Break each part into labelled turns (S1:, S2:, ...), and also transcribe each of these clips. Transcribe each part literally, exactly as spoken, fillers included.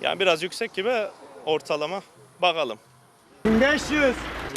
S1: Yani biraz yüksek gibi ortalama. Bakalım.
S2: bin beş yüz.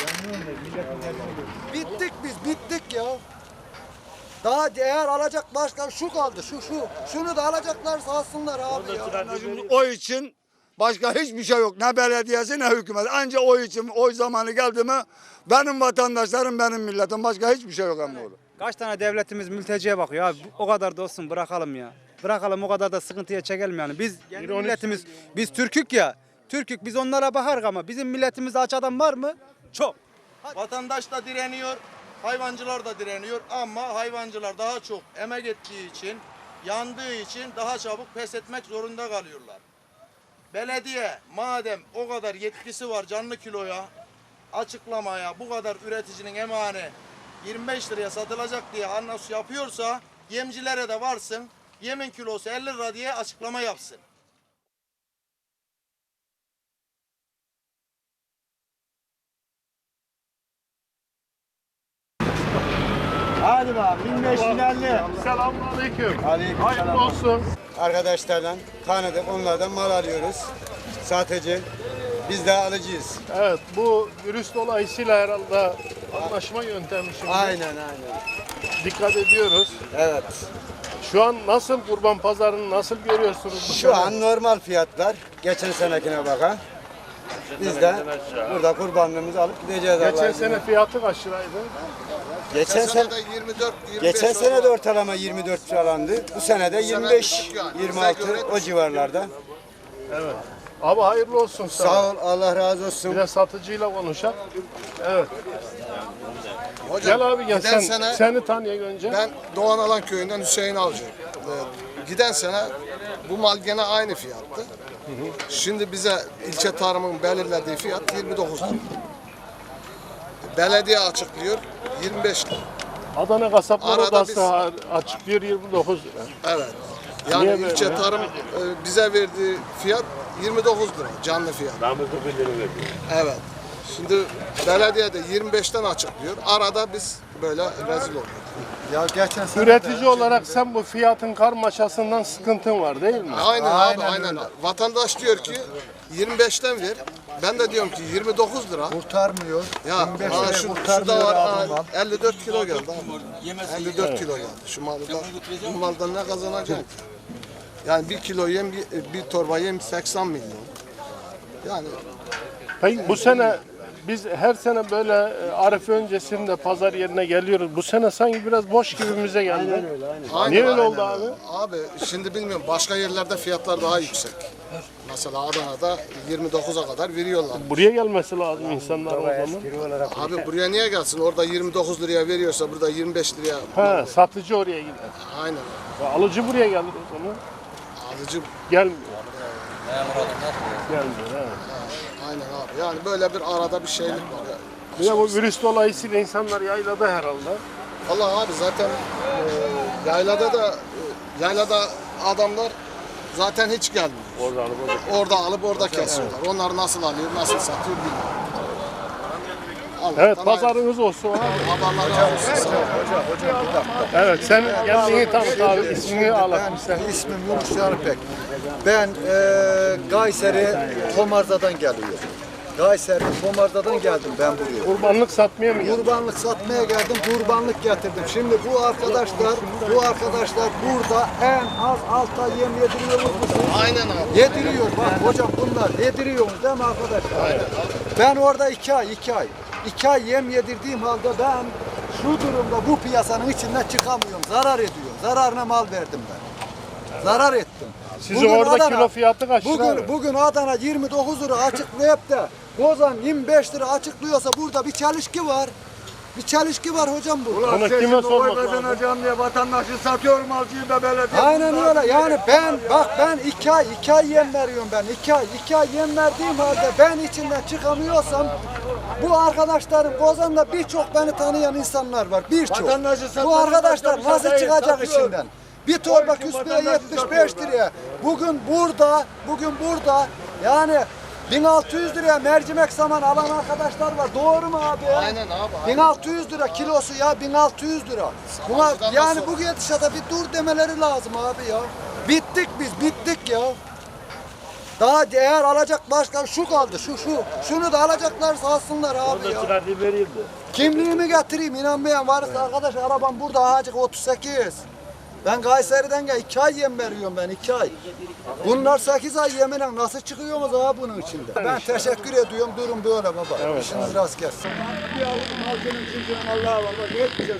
S3: Bittik biz, bittik ya. Daha değer alacak başka şu kaldı, şu şu. Şunu da alacaklarsa alsınlar abi ya.
S4: Oy için başka hiçbir şey yok. Ne belediyesi ne hükümet. Anca oy için oy zamanı geldi mi benim vatandaşlarım, benim milletim. Başka hiçbir şey yok emmi oğlum.
S2: Kaç tane devletimiz mülteciye bakıyor abi. O kadar da olsun, bırakalım ya. Bırakalım, o kadar da sıkıntıya çekelim yani. Biz kendi milletimiz, biz Türkük ya. Türkük, biz onlara bakarız ama bizim milletimizde aç adam var mı? Çok.
S5: Vatandaş da direniyor, hayvancılar da direniyor ama hayvancılar daha çok emek ettiği için, yandığı için daha çabuk pes etmek zorunda kalıyorlar. Belediye madem o kadar yetkisi var canlı kiloya açıklamaya, bu kadar üreticinin emeğini yirmi beş liraya satılacak diye anons yapıyorsa, yemcilere de varsın, yemin kilosu elli lira diye açıklama yapsın.
S2: Hadi bak, bin beş bin elli.
S6: Selamünaleyküm.
S2: Aleykümselam.
S6: Hayırlı olsun.
S4: Arkadaşlarla tanıdık, onlardan mal alıyoruz. Satıcı. Biz de alıcıyız.
S6: Evet, bu virüs dolayısıyla herhalde anlaşma yöntemi şimdi.
S4: Aynen aynen.
S6: Dikkat ediyoruz.
S4: Evet.
S6: Şu an nasıl kurban pazarını nasıl görüyorsunuz? bu
S4: Şu
S6: sene?
S4: an normal fiyatlar. Geçen senekine bakan. Biz de burada kurbanlığımızı alıp gideceğiz.
S6: Geçen
S4: Allah'ın
S6: sene
S4: izniyle.
S6: fiyatı kaç liraydı?
S4: Geçen sene
S5: yirmi dört yirmi beş
S4: geçen sene de ortalama yirmi dört falandı. Bu sene de yirmi beş yirmi altı o civarlarda.
S6: Evet. Abi hayırlı olsun sana.
S4: Sağ ol, Allah razı
S6: Bir
S4: olsun.
S6: de satıcıyla konuşalım. Evet.
S5: Hocam,
S6: Gel abi gel
S5: giden
S6: sen.
S5: sene
S6: Seni tanıyayım önce.
S5: ben Doğan Alan köyünden Hüseyin Avcı. Ee, giden sene bu mal gene aynı fiyattı. Şimdi bize ilçe tarımın belirlediği fiyat yirmi dokuz lira. Belediye açıklıyor yirmi beş lira.
S6: Adana Kasaplar
S5: Arada
S6: Odası
S5: biz-
S6: açıklıyor yirmi dokuz lira.
S5: Evet. Yani
S6: Niye böyle
S5: ilçe
S6: ya?
S5: tarım e, bize verdiği fiyat yirmi dokuz lira canlı fiyat. Evet. Şimdi belediye de yirmi beşten açıklıyor. Arada biz böyle rezil oluyoruz.
S4: Ya geçen sene
S6: Üretici olarak sen bu fiyatın karmaşasından sıkıntın var değil mi?
S5: Aynen,
S4: Aynen
S5: abi aynen.
S4: öyle.
S5: Vatandaş diyor ki yirmi beşten ver. Ben de diyorum ki yirmi dokuz lira.
S4: kurtarmıyor.
S5: Ya
S4: yirmi beş
S5: aa,
S4: liraya
S5: şu, şu
S4: kurtarmıyor
S5: da var.
S4: abi
S5: aa,
S4: mal.
S5: elli dört kilo geldi abi. elli dört kilo geldi. Şu malda. Bu maldan ne kazanacak ki? Yani bir kilo yem, bir, bir torba yem seksen milyon. Yani
S6: Peki bu sene biz her sene böyle e, Arife öncesinde pazar yerine geliyoruz. Bu sene sanki biraz boş gibimize geldi.
S5: aynen,
S6: Niye öyle
S5: aynen
S6: oldu abi?
S5: Abi şimdi bilmiyorum, başka yerlerde fiyatlar daha yüksek. Mesela Adana'da yirmi dokuza kadar veriyorlar.
S6: Buraya gelmesi lazım insanlar o zaman.
S5: Abi buraya niye gelsin? Orada yirmi dokuz liraya veriyorsa burada yirmi beş liraya.
S6: Ha, satıcı oraya gider.
S5: Aynen.
S6: Ya alıcı buraya gelir o zaman.
S5: Alıcı
S6: Gelmiyor. Gelmiyor. Evet.
S5: aynen abi. Yani böyle bir arada bir şeylik var ya.
S6: Bir de bu virüs dolayısıyla insanlar yaylada herhalde.
S5: Allah abi zaten e, yaylada da e, yaylada adamlar zaten hiç gelmiyor.
S6: Orada alıp orada.
S5: Orada alıp orada kesiyorlar. Onlar nasıl alıyor, nasıl satıyor bilmiyorum. Allah'tan
S6: Evet
S5: hayırlısı.
S6: pazarınız olsun abi.
S5: Allah razı olsun. Sağ ol.
S6: Evet sen kendini tanıt abi ismini alalım sen.
S3: İsmim Yunus Yarıpek. Ben eee Kayseri Tomarza'dan geliyorum. Kayseri Tomarza'dan geldim ben buraya.
S6: Kurbanlık satmaya mı geldin?
S3: Kurbanlık satmaya geldim, kurbanlık getirdim. Şimdi bu arkadaşlar, bu arkadaşlar burada en az altı ay yem yediriyor musunuz?
S5: Aynen abi.
S3: Yediriyor bak hocam, bunlar yediriyor değil mi arkadaşlar? Ben orada iki ay, iki ay. iki ay yem yedirdiğim halde ben şu durumda bu piyasanın içinden çıkamıyorum. Zarar ediyor. Zararına mal verdim ben. Zarar ettim.
S6: Sizin orada kilo fiyatı kaç lira
S3: Bugün,
S6: abi?
S3: bugün Adana yirmi dokuz lira açıklayıp da Kozan yirmi beş lira açıklıyorsa burada bir çelişki var. Bir çelişki var hocam bu.
S6: Bunu kime sormak lazım?
S4: kazanacağım diye vatandaşı satıyorum alcıyı da belediye.
S3: Aynen öyle. Yani ben bak ben iki ay iki ay yem veriyorum ben. iki ay iki ay yem verdiğim halde ben içinden çıkamıyorsam bu arkadaşlarım Kozan'da birçok beni tanıyan insanlar var. Birçok.
S4: Vatandaşı
S3: Bu
S4: satmacı
S3: arkadaşlar
S4: başka bir
S3: nasıl
S4: şey değil,
S3: çıkacak
S4: satıyor.
S3: içinden? Bir torba
S4: O iki
S3: küspeye
S4: vatandaşı
S3: yetmiş beş
S4: satıyor
S3: liraya. Bugün burada, bugün burada yani bin altı yüz liraya mercimek saman alan arkadaşlar var. Doğru mu abi?
S5: Aynen abi.
S3: bin altı yüz lira kilosu ya, bin altı yüz lira. Buna
S5: Savaşçıdan
S3: yani
S5: nasıl-
S3: bu gidişata bir dur demeleri lazım abi ya. Bittik biz, bittik ya. Daha değer alacak başka şu kaldı şu şu. Şunu da alacaklarsa alsınlar abi ya.
S6: Çıkardı verildi.
S3: Kimliğimi getireyim inanmayan varsa arkadaş arabam burada Hacık otuz sekiz. Ben Kayseri'den gel iki ay yem veriyorum ben iki ay. Bunlar sekiz ay yeminle nasıl çıkıyorsunuz abi bunun içinde? Ben teşekkür ediyorum durun böyle baba. Evet, İşiniz rast gelsin. Bir avuç halkının çocuğun Allah'a var bak yetmeyeceğiz.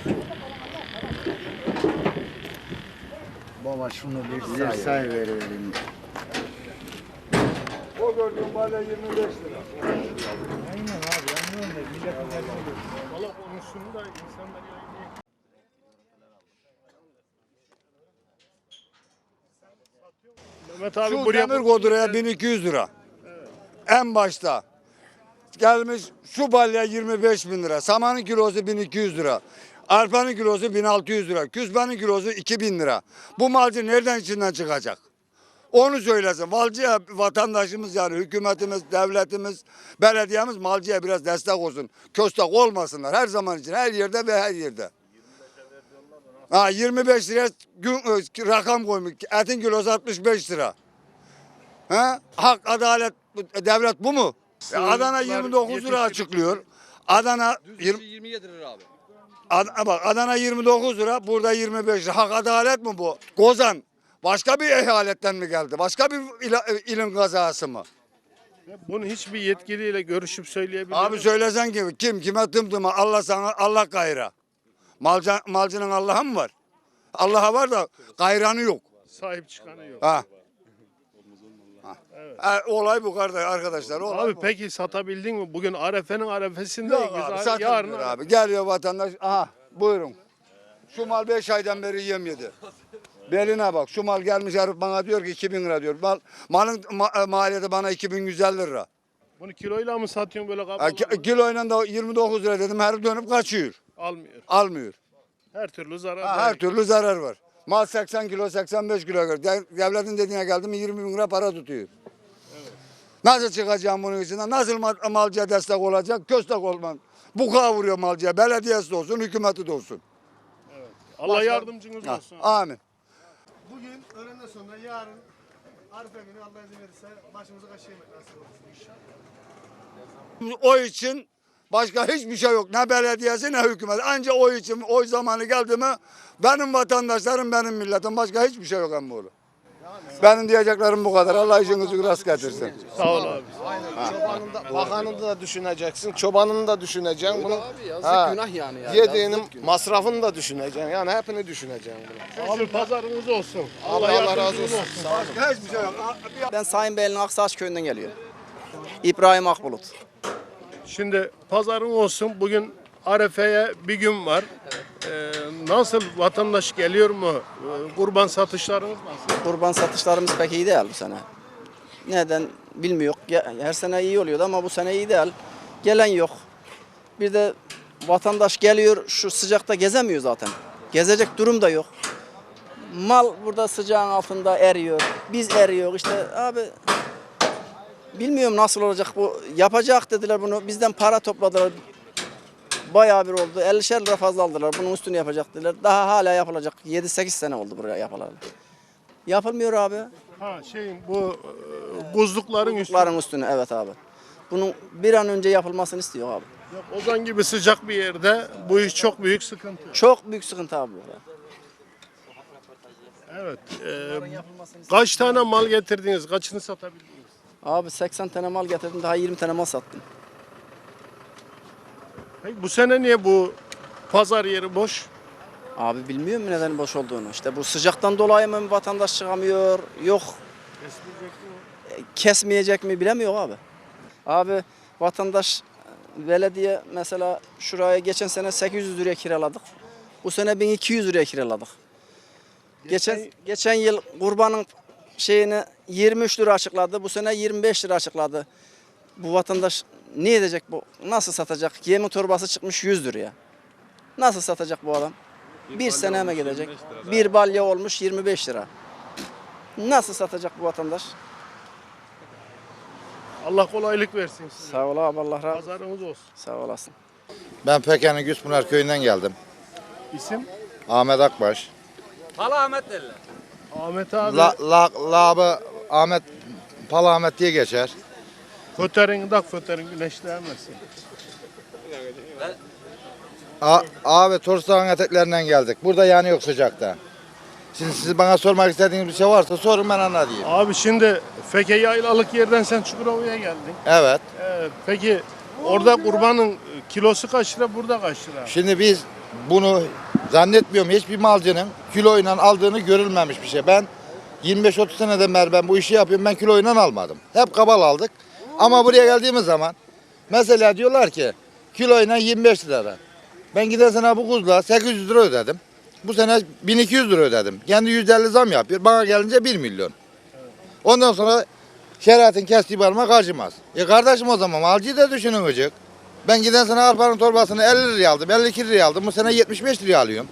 S3: Baba şunu bir say, say verelim. O gördüğün balya yirmi beş lira. Aynen abi anlıyorum da milletin eline göre.
S6: Valla konusunu da insanlar yayınlıyor. Mehmet abi
S4: Şu
S6: buraya
S4: demir koduraya bin iki yüz lira. En başta. Gelmiş şu balya yirmi beş bin lira. Samanın kilosu bin iki yüz lira. Arpanın kilosu bin altı yüz lira. Küspenin kilosu iki bin lira. Bu malcı nereden içinden çıkacak? Onu söylesin. Malcıya vatandaşımız yani hükümetimiz, devletimiz, belediyemiz malcıya biraz destek olsun. Köstek olmasınlar her zaman için her yerde ve her yerde. Ha, yirmi beş liraya gün, rakam koymuş. Etin kilosu altmış beş lira. Ha? Hak, adalet, devlet bu mu? E, Adana yirmi dokuz lira açıklıyor. Adana
S7: yirmi yedi lira abi.
S4: Ad, bak Adana yirmi dokuz lira, burada yirmi beş lira. Hak adalet mi bu? Gozan başka bir eyaletten mi geldi? Başka bir il, ilin kazası mı?
S6: bunu hiçbir yetkiliyle görüşüp söyleyebilir
S4: Abi
S6: mi?
S4: söylesen ki kim kime tımtıma Allah sana Allah gayra. Malcı, malcının Allah'a mı var? Allah'a var da gayranı yok.
S6: Sahip çıkanı yok.
S4: Ha. Ha, olay bu kardeş arkadaşlar. Olay
S6: Abi
S4: bu.
S6: peki satabildin mi? Bugün Arefe'nin arefesindeyiz.
S4: Yok abi,
S6: Ar-
S4: satılmıyor
S6: yarın
S4: abi. Geliyor vatandaş. Aha buyurun. Şu mal beş aydan beri yem yedi. Beline bak. Şu mal gelmiş herif bana diyor ki iki bin lira diyor. Mal, malın ma- maliyeti bana iki bin yüz elli lira.
S6: Bunu kiloyla mı satıyorsun böyle
S4: Ha,
S6: kabalı?
S4: ki- kiloyla da yirmi dokuz lira dedim. Herif dönüp kaçıyor.
S6: Almıyor.
S4: Almıyor.
S6: Her türlü zarar
S4: Ha,
S6: var.
S4: her türlü zarar var. Mal seksen kilo seksen beş kilo. gör. De- Devletin dediğine geldi mi yirmi bin lira para tutuyor. Nasıl çıkacağım bunun içinden? Nasıl mal- malcıya destek olacak? Köstek olmam. Bu kavuruyor malcıya. Belediyesi de olsun, hükümeti de olsun.
S6: Allah yardımcınız
S4: Ha,
S6: olsun.
S4: amin.
S8: Bugün öğlenden sonra yarın Arife günü Allah izin verirse başımıza kaşı yemek nasip olsun inşallah.
S4: O için başka hiçbir şey yok. Ne belediyesi ne hükümet. Anca o için oy zamanı geldi mi benim vatandaşlarım benim milletim. Başka hiçbir şey yok emmoğlu. Benim diyeceklerim bu kadar. Allah işinizi rast getirsin.
S6: Sağ ol abi.
S9: Çobanını da, bakanını da düşüneceksin, çobanını da düşüneceksin. Bunu,
S7: Yazık
S9: Ha,
S7: günah yani. ya.
S9: yediğinin
S7: Yazık günah.
S9: masrafını da düşüneceksin. Yani hepini düşüneceksin. Bunu.
S6: Abi pazarınız olsun.
S9: Allah,
S6: Allah,
S9: Allah razı
S6: yardımcınız
S9: olsun.
S6: olsun.
S9: Sağ olun.
S4: Başka hiçbir şey yok.
S10: Ben Sayın Beyli'nin Aksaç köyünden geliyor. İbrahim Akbulut.
S6: Şimdi pazarın olsun. Bugün Arefe'ye bir gün var. Ee, nasıl vatandaş geliyor mu? Ee, kurban satışlarınız nasıl?
S10: Kurban satışlarımız pek iyi değil bu sene. Neden bilmiyor. Her sene iyi oluyordu ama bu sene iyi değil. Gelen yok. Bir de vatandaş geliyor şu sıcakta gezemiyor zaten. Gezecek durum da yok. Mal burada sıcağın altında eriyor. Biz eriyor işte abi. Bilmiyorum nasıl olacak bu. Yapacak dediler bunu. Bizden para topladılar. Bayağı bir oldu. ellişer lira fazla aldılar. Bunun üstünü yapacak dediler. Daha hala yapılacak. yedi sekiz sene oldu buraya yapılalı. Yapılmıyor abi.
S6: Ha şeyin bu e, buzlukların üstü.
S10: Çocukların üstüne evet abi. Bunun bir an önce yapılmasını istiyor abi.
S6: Yok, Ozan gibi sıcak bir yerde bu iş çok büyük sıkıntı.
S10: Çok büyük sıkıntı abi burada.
S6: Evet. e, kaç tane mal getirdiniz? Kaçını satabildiniz?
S10: Abi seksen tane mal getirdim daha yirmi tane mal sattım.
S6: Peki bu sene niye bu pazar yeri boş?
S10: Abi bilmiyorum neden boş olduğunu. İşte bu sıcaktan dolayı mı vatandaş çıkamıyor? Yok. E, Kesmeyecek mi bilemiyor abi. Abi vatandaş belediye mesela şuraya geçen sene sekiz yüz liraya kiraladık. Bu sene bin iki yüz liraya kiraladık. Geçen geçen yıl kurbanın şeyini yirmi üç lira açıkladı. Bu sene yirmi beş lira açıkladı. Bu vatandaş ne edecek bu? Nasıl satacak? Yemin torbası çıkmış yüz liraya. Nasıl satacak bu adam? Bir, sene mi gidecek? Bir balya olmuş yirmi beş lira. Nasıl satacak bu vatandaş?
S6: Allah kolaylık versin size.
S10: Sağ ol abi Allah razı olsun.
S6: Pazarınız olsun.
S10: Sağ olasın.
S11: Ben Peken'in Güspınar köyünden geldim.
S6: İsim?
S11: Ahmet Akbaş.
S6: Ahmet abi.
S11: La, la, labı Ahmet Palahmet diye geçer.
S6: Föterin dak föterin güneşleyemezsin.
S11: A abi Torsdağ'ın eteklerinden geldik. Burada yani yok sıcakta. Şimdi siz bana sormak istediğiniz bir şey varsa sorun ben anlatayım.
S6: Abi şimdi Feke yaylalık yerden sen Çukurova'ya geldin.
S11: Evet.
S6: Ee, peki orada kurbanın kilosu kaç lira, burada kaç lira?
S11: Şimdi biz bunu zannetmiyorum hiçbir malcının kiloyla aldığını görülmemiş bir şey. Ben yirmi beş otuz seneden beri ben bu işi yapıyorum. Ben kiloyla almadım. Hep kabal aldık. Ama buraya geldiğimiz zaman mesela diyorlar ki kiloyla yirmi beş lira. Ben giden sene bu kuzla sekiz yüz lira ödedim. Bu sene bin iki yüz lira ödedim. Kendi yüzde elli zam yapıyor. Bana gelince bir milyon. Ondan sonra şeriatın kestiği parmak acımaz. E kardeşim o zaman malcıyı da düşünün hocuk. Ben giden sene arpanın torbasını elli liraya aldım, elli iki liraya aldım. Bu sene yetmiş beş liraya alıyorum.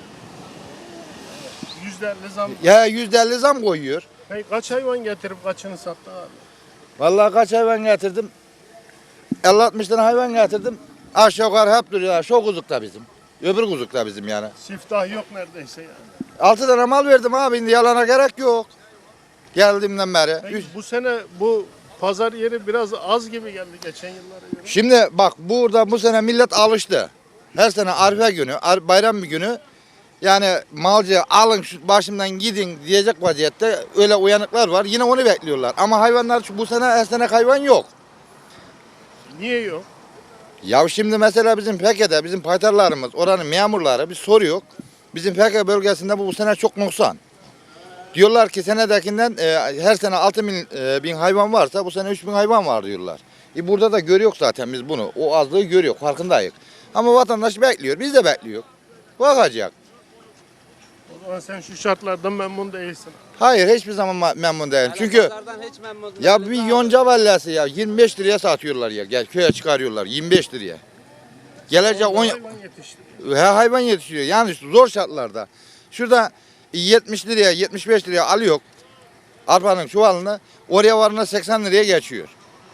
S6: yüzde elli zam.
S11: Ya yüzde elli zam koyuyor.
S6: Peki kaç hayvan getirip kaçını sattın abi?
S11: Vallahi kaç hayvan getirdim? elli altmış tane hayvan getirdim. Aşağı yukarı hep duruyorlar. Şu kuzuk da bizim. Öbür kuzuk da bizim yani.
S6: Siftah yok neredeyse yani.
S11: Altı tane mal verdim abi. Şimdi yalana gerek yok. Geldiğimden beri.
S6: Peki
S11: Üç-
S6: bu sene bu pazar yeri biraz az gibi geldi geçen yıllara göre.
S11: Şimdi bak burada bu sene millet alıştı. Her sene Arife günü, Ar- bayram bir günü yani malcı alın şu başımdan gidin diyecek vaziyette öyle uyanıklar var. Yine onu bekliyorlar. Ama hayvanlar şu- bu sene her sene hayvan yok.
S6: Niye yok?
S11: Ya şimdi mesela bizim Peke'de bizim paytarlarımız, oranın memurları bir soruyor. Bizim Peke bölgesinde bu, bu sene çok noksan. Diyorlar ki senedekinden e, her sene altı bin, e, bin hayvan varsa bu sene üç bin hayvan var diyorlar. E burada da görüyor zaten biz bunu. O azlığı görüyor, farkındayız. Ama vatandaş bekliyor, biz de bekliyor. Bakacak.
S6: O zaman sen şu şartlardan memnun değilsin.
S11: Hayır hiçbir zaman ma- memnun değilim. Çünkü ya bir yonca vallası ya yirmi beş liraya satıyorlar ya. Gel köye çıkarıyorlar yirmi beş liraya. Gelecek on
S6: Hayvan yetiştiriyor.
S11: He, hayvan yetiştiriyor. Yani zor şartlarda. Şurada yetmiş liraya, yetmiş beş liraya alıyor arpanın çuvalını. Oraya varına seksen liraya geçiyor.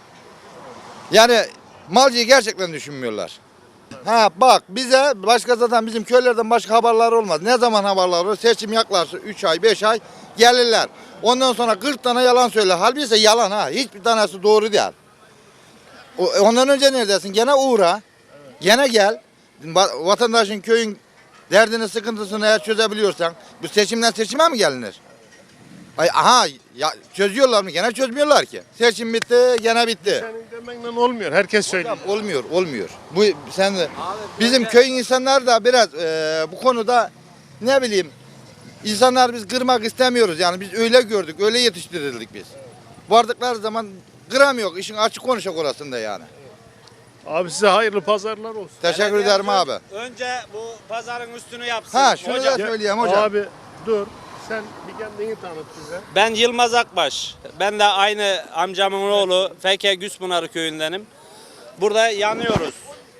S11: Yani malcıyı gerçekten düşünmüyorlar. Ha bak bize başka zaten bizim köylerden başka haberler olmaz. Ne zaman haberler olur? Seçim yaklaşır üç ay, beş ay gelirler. Ondan sonra kırk tane yalan söyler. Halbuki ise yalan ha. Hiçbir tanesi doğru değil. O- Ondan önce neredesin? Gene uğra. Gene gel. Va- Vatandaşın köyün derdini, sıkıntısını eğer çözebiliyorsan bu seçimden seçime mi gelinir? Ay, aha ya çözüyorlar mı? Gene çözmüyorlar ki. Seçim bitti, gene bitti.
S6: Senin demenle olmuyor. Herkes söylüyor.
S11: Olmuyor, olmuyor. Bu sen de bizim köyün insanlar da biraz e, bu konuda ne bileyim insanlar biz kırmak istemiyoruz yani biz öyle gördük, öyle yetiştirildik biz. Vardıkları zaman kıramıyor, işin açık konuşak orasında yani.
S6: Abi size hayırlı pazarlar olsun.
S11: Teşekkür ederim abi.
S1: Önce bu pazarın üstünü yapsın.
S11: Ha şunu da
S1: Hocam,
S11: söyleyeyim hocam.
S6: Abi dur. Sen bir kendini tanıt bize.
S1: ben Yılmaz Akbaş. Ben de aynı amcamın oğlu Feke Güspınarı köyündenim. Burada yanıyoruz.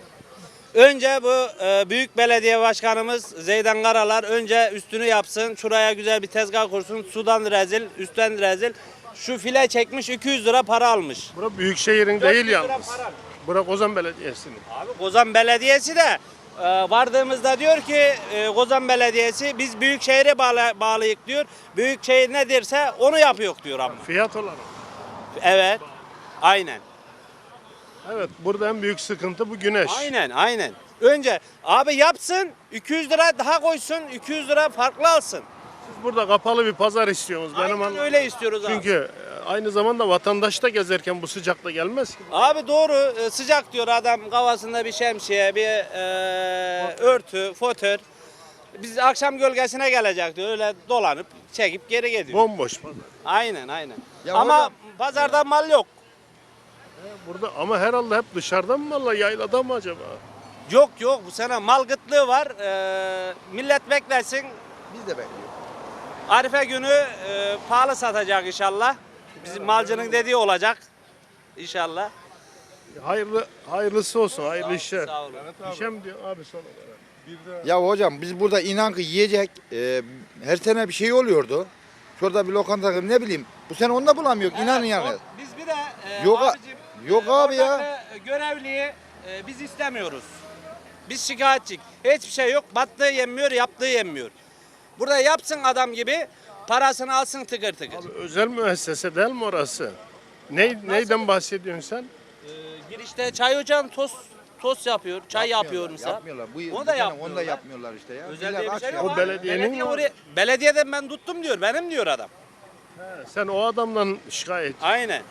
S1: Önce bu e, büyük belediye başkanımız Zeydan Karalar önce üstünü yapsın. Şuraya güzel bir tezgah kursun. Sudan rezil, üstten rezil. Şu file çekmiş iki yüz lira para almış.
S6: Bura büyükşehirin
S1: dört
S6: değil
S1: yüz lira
S6: yalnız.
S1: para.
S6: Bura Kozan Belediyesi'nin.
S1: Abi Kozan Belediyesi de e, vardığımızda diyor ki e, Kozan Belediyesi biz Büyükşehir'e bağlı, bağlıyık diyor. Büyükşehir ne derse onu yapıyor diyor ama.
S6: Fiyat olarak.
S1: Evet. Aynen.
S6: Evet, burada en büyük sıkıntı bu güneş.
S1: Aynen aynen. Önce abi yapsın iki yüz lira daha koysun iki yüz lira farklı alsın.
S6: Siz burada kapalı bir pazar istiyorsunuz. Benim
S1: Aynen
S6: anladığım.
S1: öyle istiyoruz abi.
S6: Çünkü e, aynı zamanda vatandaş da gezerken bu sıcakta gelmez ki.
S1: Abi doğru e, sıcak diyor adam kafasında bir şemsiye bir e, örtü fotör. Biz akşam gölgesine gelecek diyor öyle dolanıp çekip geri gidiyor.
S6: Bomboş pazar.
S1: Aynen aynen.
S11: Ya
S1: Ama
S11: hocam-
S1: pazarda mal yok.
S6: Burada ama herhalde hep dışarıdan mı valla yaylada mı acaba?
S1: Yok yok bu sene mal gıtlığı var. Ee, millet beklesin.
S11: Biz de bekliyoruz.
S1: Arife günü e, pahalı satacak inşallah. Bizim malcının dediği olacak. İnşallah.
S6: Hayırlı hayırlısı olsun, hayırlı işler.
S1: Sağ olun.
S6: İşe mi diyor abi son olarak?
S11: Ya hocam biz burada inan ki yiyecek e, her sene bir şey oluyordu. Şurada bir lokanta ne bileyim bu sene onu da bulamıyor inanın yani.
S1: O- Biz bir de e,
S11: Yok a-
S1: abicim,
S11: yok
S1: e,
S11: abi ya.
S1: oradaki görevliyi e, biz istemiyoruz. Biz şikayetçik. Hiçbir şey yok. Battığı yenmiyor, yaptığı yenmiyor. Burada yapsın adam gibi parasını alsın tıkır tıkır.
S6: Abi özel müessese değil mi orası? Ne, neyden bahsediyorsun sen?
S1: Ee, girişte çay ocağın tost tost yapıyor, çay yapıyor mesela.
S11: Yapmıyorlar. Bu,
S1: Onu
S11: bu
S1: da
S11: sene
S1: yapmıyorlar.
S11: Onu da yapmıyorlar işte ya.
S1: Özel
S11: Millet
S1: diye bir
S11: aç
S1: şey
S11: ya.
S1: yok.
S6: O
S1: abi.
S6: belediyenin
S1: Belediye
S6: mi?
S1: oraya, belediyeden ben tuttum diyor, benim diyor adam.
S6: Sen o adamdan şikayet.
S1: Aynen.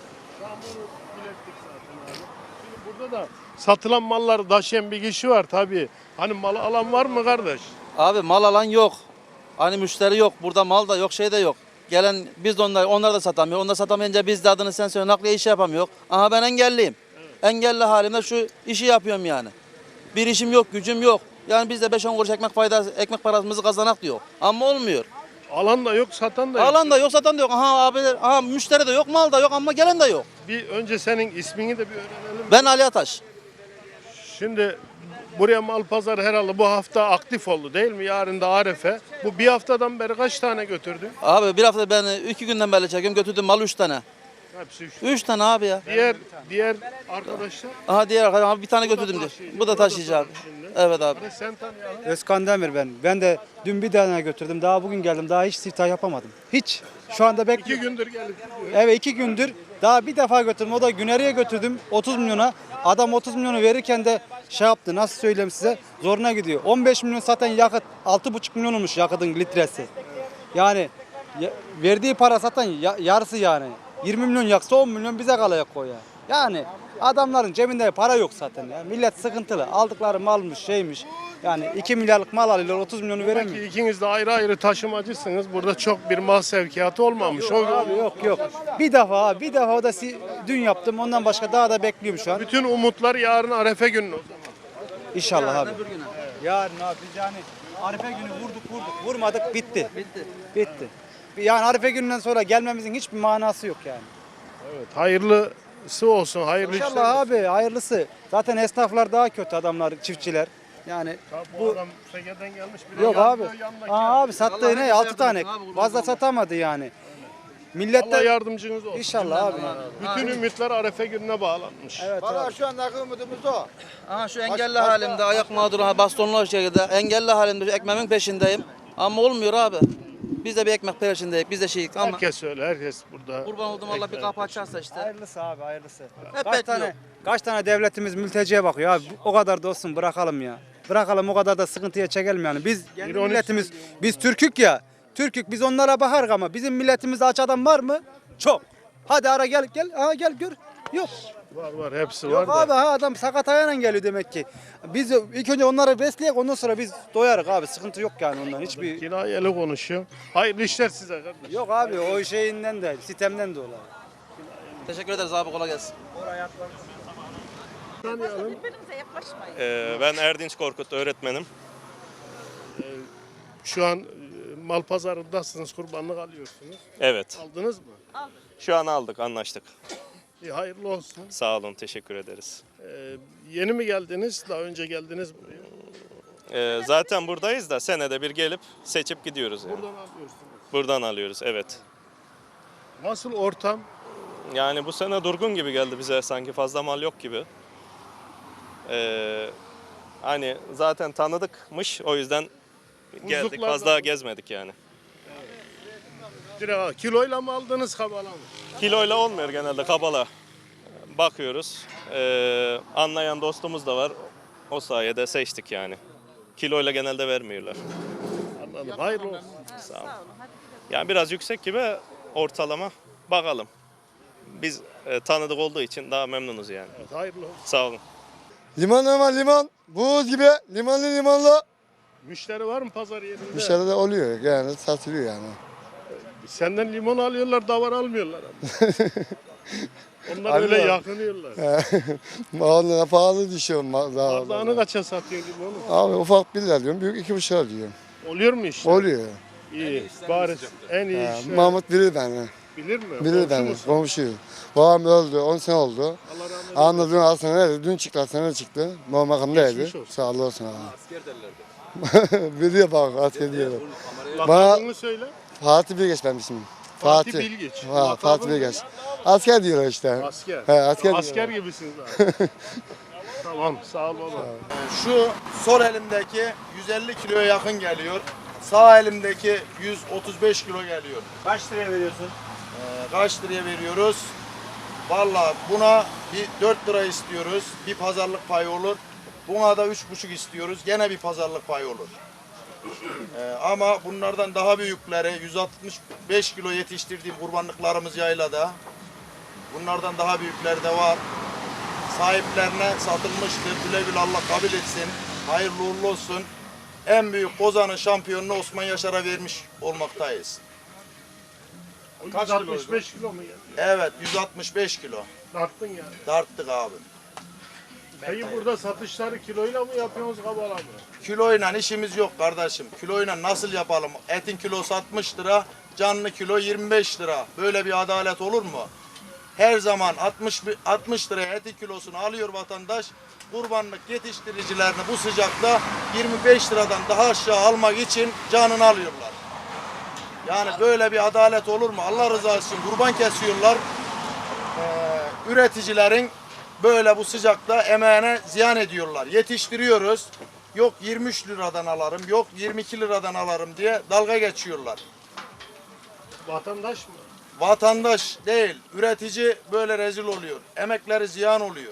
S6: Şimdi burada da satılan malları taşıyan bir kişi var tabii. Hani malı alan var mı kardeş?
S10: Abi mal alan yok. Hani müşteri yok. Burada mal da yok, şey de yok. Gelen biz de onlar, onlar da satamıyor. Onlar satamayınca biz de adını sen söyle nakliye işi yapamıyor. Aha ben engelliyim. Engelli halimde şu işi yapıyorum yani. Bir işim yok, gücüm yok. Yani biz de beş on kuruş ekmek faydası, ekmek parasımızı kazanak diyor. Ama olmuyor.
S6: Alan da yok, satan da yok.
S10: Alan da yok, satan da yok. Aha abiler, aha müşteri de yok, mal da yok ama gelen de yok.
S6: Bir önce senin ismini de bir öğrenelim.
S10: Ben Ali Ataş.
S6: Şimdi buraya mal pazarı herhalde bu hafta aktif oldu değil mi? Yarın da Arefe. Bu bir haftadan beri kaç tane götürdün?
S10: Abi bir hafta ben iki günden beri çekiyorum. Götürdüm mal üç tane.
S6: Hepsi üç.
S10: Üç tane abi ya.
S6: Diğer diğer arkadaşlar.
S10: Aha diğer arkadaşım abi bir tane götürdüm diyor.
S6: taşıyıcı,
S10: Bu da
S6: o da
S10: taşıyacak.
S6: şimdi.
S10: Evet abi.
S6: Hadi sen tanıyalım.
S2: Özkan Demir ben. Ben de dün bir tane götürdüm. Daha bugün geldim. Daha hiç siftah yapamadım. Hiç. Şu anda
S6: İki
S2: bekliyorum.
S6: gündür gelip gidiyor.
S2: Evet iki gündür. Daha bir defa götürdüm. O da Güneri'ye götürdüm otuz milyona. Adam otuz milyonu verirken de şey yaptı. Nasıl söyleyeyim size? Zoruna gidiyor. on beş milyon zaten yakıt. altı buçuk milyon olmuş yakıtın litresi. Yani ya- verdiği para zaten ya- yarısı yani. yirmi milyon yaksa on milyon bize kalacak o ya. Yani adamların cebinde para yok zaten ya. Millet sıkıntılı. Aldıkları malmış şeymiş. Yani iki milyarlık mal alıyorlar otuz milyonu veremiyor.
S6: Peki ikiniz de ayrı ayrı taşımacısınız. Burada çok bir mal sevkiyatı olmamış. O
S2: Abi yok yok. Bir defa abi, bir defa o da si- dün yaptım. Ondan başka daha da bekliyorum şu an.
S6: bütün umutlar yarın Arefe günü o zaman.
S2: İnşallah abi. Yarın abi biz yani Arife günü vurduk vurduk. Vurmadık bitti. Bitti. Bitti. Yani Arife gününden sonra gelmemizin hiçbir manası yok yani.
S6: Evet, hayırlısı olsun. Hayırlı işler.
S2: İnşallah abi hayırlısı. Zaten esnaflar daha kötü adamlar, çiftçiler. Yani
S6: Bu,
S2: bu
S6: adam Sege'den gelmiş. Bir de
S2: yok
S6: yandı,
S2: abi.
S6: yanındaki
S2: Aa, abi sattığı
S10: Vallahi
S2: ne?
S10: herkes
S2: altı
S10: yardım
S2: tane.
S10: etsin abi, kurban
S2: Fazla
S10: olsun.
S2: satamadı yani. Millet
S6: Allah
S2: de
S6: yardımcınız olsun.
S2: İnşallah abi.
S6: Bütün ümitler Arefe gününe bağlanmış.
S2: Evet
S11: Valla
S2: abi.
S11: şu andaki umudumuz o.
S10: Aha şu engelli halimde ayak mağduru bastonlu şekilde engelli halimde ekmeğimin peşindeyim. Ama olmuyor abi. Biz de bir ekmek peşindeyiz. Biz de şeyik ama
S6: Herkes öyle. Herkes burada.
S10: kurban oldum Allah bir kapı açarsa işte.
S2: Hayırlısı abi hayırlısı.
S10: Hep
S2: Kaç
S10: bekliyor.
S2: tane kaç tane devletimiz mülteciye bakıyor abi. O kadar da olsun bırakalım ya. Bırakalım o kadar da sıkıntıya çekelim yani. Biz kendi
S6: İronik
S2: milletimiz biz Türkük ya. Türkük biz onlara bakarız ama bizim milletimizde aç adam var mı? Çok. Hadi ara gel gel. Aa gel gör. Yok.
S6: Var var hepsi
S2: Yok
S6: var
S2: abi
S6: da.
S2: ha adam sakat ayağıyla geliyor demek ki. Biz ilk önce onları besleyek ondan sonra biz doyarız abi. Sıkıntı yok yani ondan. Hiçbir
S6: Kinayeli konuşuyor. Hayırlı işler size kardeş.
S2: yok abi o şeyinden de sistemden de olay.
S10: Teşekkür ederiz abi kolay gelsin.
S6: Tanıyalım.
S7: Ee, ben Erdinç Korkut öğretmenim.
S6: Şu an e, mal pazarındasınız, kurbanlık alıyorsunuz.
S7: Evet.
S6: Aldınız mı?
S7: Şu an aldık, anlaştık.
S6: İyi, hayırlı olsun.
S7: Sağ olun, teşekkür ederiz.
S6: Ee, yeni mi geldiniz? Daha önce geldiniz buraya.
S7: Ee, zaten buradayız da senede bir gelip seçip gidiyoruz yani.
S6: Buradan alıyorsunuz.
S7: Buradan alıyoruz, evet.
S6: Nasıl ortam?
S7: Yani bu sene durgun gibi geldi bize, sanki fazla mal yok gibi. Ee, hani zaten tanıdıkmış, o yüzden geldik,
S6: Buzluklar
S7: fazla
S6: da-
S7: gezmedik yani.
S6: Direkt kiloyla mı aldınız, kabala mı?
S7: Kiloyla olmuyor genelde, kabala bakıyoruz. Ee, anlayan dostumuz da var, o sayede seçtik yani. Kiloyla genelde vermiyorlar.
S6: Anladım. Hayırlı olsun.
S7: Sağ olun. Yani biraz yüksek gibi ortalama, bakalım. Biz e, tanıdık olduğu için daha memnunuz yani.
S6: Evet, hayırlı olsun.
S7: Sağ olun.
S8: Liman ama liman. Buz gibi limanlı limanlı.
S6: Müşteri var mı pazar yerinde?
S8: Dışarıda oluyor yani satılıyor yani.
S6: Senden limon alıyorlar, davar almıyorlar ama. Onlar öyle
S8: Alıyorlar.
S6: yakınıyorlar.
S8: Onlara pahalı düşüyor.
S6: Bardağını kaça satıyor limonu?
S8: Abi ufak bir lira diyorum, büyük iki buçuk lira diyorum.
S6: Oluyor mu işte?
S8: Oluyor.
S6: İyi. Bari en iyi
S8: Ha,
S6: işte.
S8: Mahmut bilir beni.
S6: Bilir mi?
S8: Bilir
S6: Komşu
S8: beni.
S6: musun?
S8: Komşu. Babam öldü. on sene oldu.
S6: Allah rahmet eylesin.
S8: Anladığın aslında dün çıktı, aslında çıktı. Babam makamdaydı.
S6: Geçmiş olsun.
S8: Sağ olsun abi. Asker derlerdi. Biliyor bak, asker diyorlar.
S6: Lakabını söyle.
S8: Fatih Bilgeç benim ismim.
S6: Fatih
S8: Fatih.
S6: Bilgeç.
S8: Ha,
S6: Lakabın
S8: Fatih
S6: ne?
S8: Bilgeç. Asker diyorlar işte.
S6: Asker.
S8: He, asker,
S6: Asker
S8: diyorlar.
S6: gibisiniz abi. Tamam, sağ ol baba.
S5: Şu sol elimdeki yüz elli kiloya yakın geliyor. Sağ elimdeki yüz otuz beş kilo geliyor.
S2: Kaç liraya veriyorsun?
S5: Ee, kaç liraya veriyoruz? Vallahi buna bir dört lira istiyoruz. Bir pazarlık payı olur. Buna da üç buçuk istiyoruz. Gene bir pazarlık payı olur. Ee, ama bunlardan daha büyükleri yüz altmış beş kilo yetiştirdiğim kurbanlıklarımız yaylada. Bunlardan daha büyükleri de var. Sahiplerine satılmıştır. Güle güle Allah kabul etsin. Hayırlı uğurlu olsun. En büyük kozanın şampiyonunu Osman Yaşar'a vermiş olmaktayız.
S6: Kaç altmış beş kilo mu geldi?
S5: Evet, yüz altmış beş kilo.
S6: Tarttın yani.
S5: Tarttık abi.
S6: Peki burada satışları kiloyla mı yapıyorsunuz kabala mı?
S5: Kiloyla işimiz yok kardeşim. Kiloyla nasıl yapalım? Etin kilosu altmış lira, canlı kilo yirmi beş lira. Böyle bir adalet olur mu? Her zaman altmış, altmış liraya etin kilosunu alıyor vatandaş. Kurbanlık yetiştiricilerini bu sıcakta yirmi beş liradan daha aşağı almak için canını alıyorlar. Yani böyle bir adalet olur mu? Allah rızası için kurban kesiyorlar. Ee, üreticilerin böyle bu sıcakta emeğine ziyan ediyorlar. Yetiştiriyoruz. Yok yirmi üç liradan alırım, yok yirmi iki liradan alırım diye dalga geçiyorlar.
S6: Vatandaş mı?
S5: Vatandaş değil, üretici böyle rezil oluyor. Emekleri ziyan oluyor.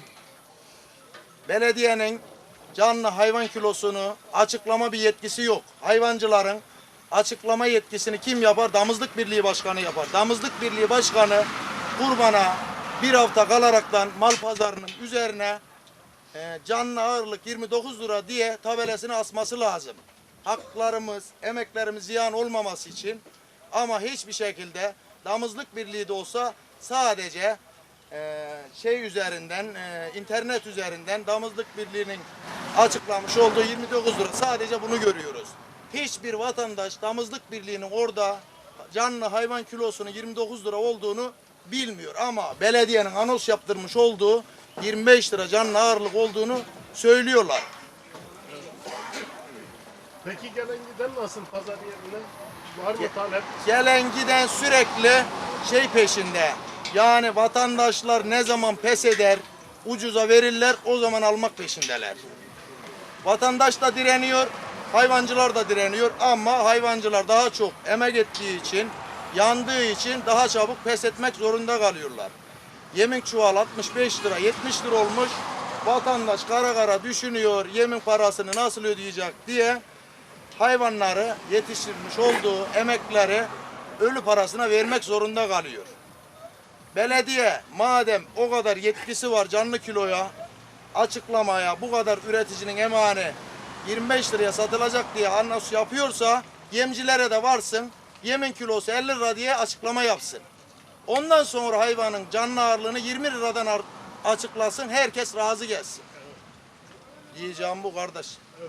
S5: Belediyenin canlı hayvan kilosunu açıklama bir yetkisi yok. Hayvancıların açıklama yetkisini kim yapar? Damızlık Birliği Başkanı yapar. Damızlık Birliği Başkanı kurbana bir hafta kalaraktan mal pazarının üzerine e, canlı ağırlık yirmi dokuz lira diye tabelasını asması lazım. Haklarımız, emeklerimiz ziyan olmaması için, ama hiçbir şekilde Damızlık Birliği de olsa sadece e, şey üzerinden, e, internet üzerinden Damızlık Birliği'nin açıklamış olduğu yirmi dokuz lira, sadece bunu görüyoruz. Hiçbir vatandaş Damızlık Birliği'nin orada canlı hayvan kilosunun yirmi dokuz lira olduğunu bilmiyor, ama belediyenin anons yaptırmış olduğu yirmi beş lira canlı ağırlık olduğunu söylüyorlar.
S6: Peki gelen giden nasıl pazar yerine? Var mı talep?
S5: Gelen giden sürekli şey peşinde. Yani vatandaşlar ne zaman pes eder, ucuza verirler, o zaman almak peşindeler. Vatandaş da direniyor, hayvancılar da direniyor, ama hayvancılar daha çok emek ettiği için, yandığı için daha çabuk pes etmek zorunda kalıyorlar. Yemin çuval altmış beş lira, yetmiş lira olmuş. Vatandaş kara kara düşünüyor, yemin parasını nasıl ödeyecek diye hayvanları yetiştirmiş olduğu emekleri ölü parasına vermek zorunda kalıyor. Belediye madem o kadar yetkisi var canlı kiloya açıklamaya, bu kadar üreticinin emeğini yirmi beş liraya satılacak diye anons yapıyorsa, yemcilere de varsın, yemin kilosu elli lira diye açıklama yapsın. Ondan sonra hayvanın canlı ağırlığını yirmi liradan açıklasın, herkes razı gelsin. Diyeceğim bu kardeş.